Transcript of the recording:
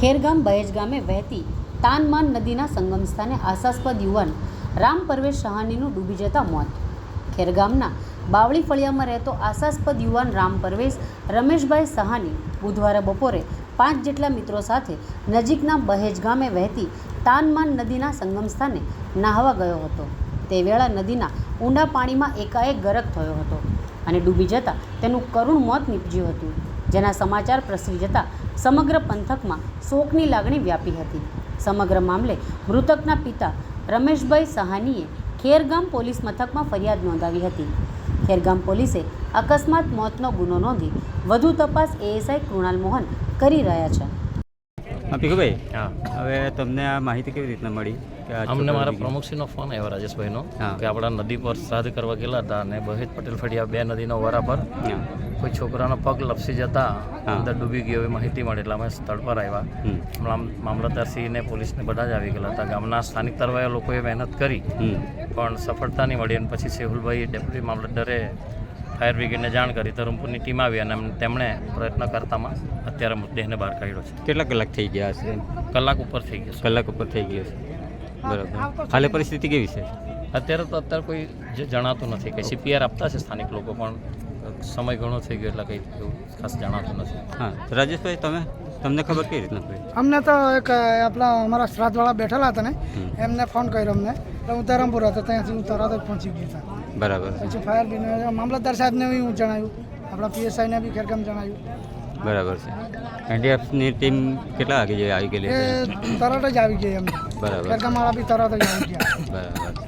ખેરગામ બહેજ ગામે વહેતી તાનમાન નદીના સંગમ સ્થાને આશાસ્પદ યુવાન રામ પરવેશ સહાનીનું ડૂબી જતા મોત. ખેરગામના બાવળી ફળિયામાં રહેતો આશાસ્પદ યુવાન રામ પરવેશ રમેશભાઈ સહાની બુધવારે બપોરે 5 જેટલા મિત્રો સાથે નજીકના બહેજ ગામે વહેતી તાનમાન નદીના સંગમ સ્થાને નાહવા ગયો હતો. તે વેળા નદીના ઊંડા પાણીમાં એકાએક ગરક થયો હતો અને ડૂબી જતાં તેનું કરુણ મોત નીપજ્યું હતું, જેના સમાચાર પ્રસરી જતાં સમગ્ર પંથકમાં શોકની લાગણી વ્યાપી હતી. સમગ્ર મામલે મૃતકના પિતા રમેશભાઈ સહાનીએ ખેરગામ પોલીસ મથકમાં ફરિયાદ નોંધાવી હતી. ખેરગામ પોલીસે અકસ્માત મોતનો ગુનો નોંધી વધુ તપાસ એએસઆઈ કૃણાલ મોહન કરી રહ્યા છે. ભીખુભાઈ, હવે તમને આ માહિતી કેવી રીતના મળી? અમને મારા પ્રમુખશ્રીનો ફોન આવ્યો રાજેશભાઈનો કે આપણા નદી પર શ્રાદ્ધ કરવા ગયેલા હતા અને બહેજ પટેલ ફળિયા 2 નદીનો વરા પર કોઈ છોકરાનો પગ લપસી જતા અંદર ડૂબી ગયો એવી માહિતી મળી, એટલે અમે સ્થળ પર આવ્યા. મામલતદારશ્રીને પોલીસને બધા જ આવી ગયેલા હતા. ગામના સ્થાનિક તરવાયા લોકોએ મહેનત કરી પણ સફળતા નહીં મળી અને પછી સેહુલભાઈ ડેપ્યુટી મામલતદારે ફાયર બ્રિગેડને જાણ કરી. ધરમપુરની ટીમ આવી અને તેમણે પ્રયત્ન કરતામાં અત્યારે મૃતદેહને બહાર કાઢ્યો છે. કેટલા કલાક થઈ ગયા હશે? કલાક ઉપર થઈ ગયો છે. કલાક ઉપર થઈ ગયો છે. બરાબર. હાલે પરિસ્થિતિ કેવી છે? અત્યારે કોઈ જે જણાતું નથી. કંઈ CPR આપતા છે સ્થાનિક લોકો, પણ સમય ઘણો થઈ ગયો એટલે કંઈ એવું ખાસ જણાતું નથી. હા, રાજેશભાઈ, તમને ખબર કઈ રીતના પડી? અમને તો એક આપણા અમારા શ્રાદ્ધવાળા બેઠેલા હતા ને, એમને ફોન કર્યો અમને, એટલે હું ધરમપુર હતો, ત્યાંથી હું તરત જ પહોંચી ગયો હતા. બરાબર. પછી ફાયર બ્રિગેડ મામલતદાર સાહેબને બી હું જણાવ્યું, આપણા PSIને બી ખેરગામ જણાવ્યું. બરાબર છે. NDFની ટીમ કેટલા વાગે આવી ગયેલી? એ તરત જ આવી ગઈ અમને. બરાબર. ખેરગામવાળા બી તરત જ આવી ગયા. બરાબર.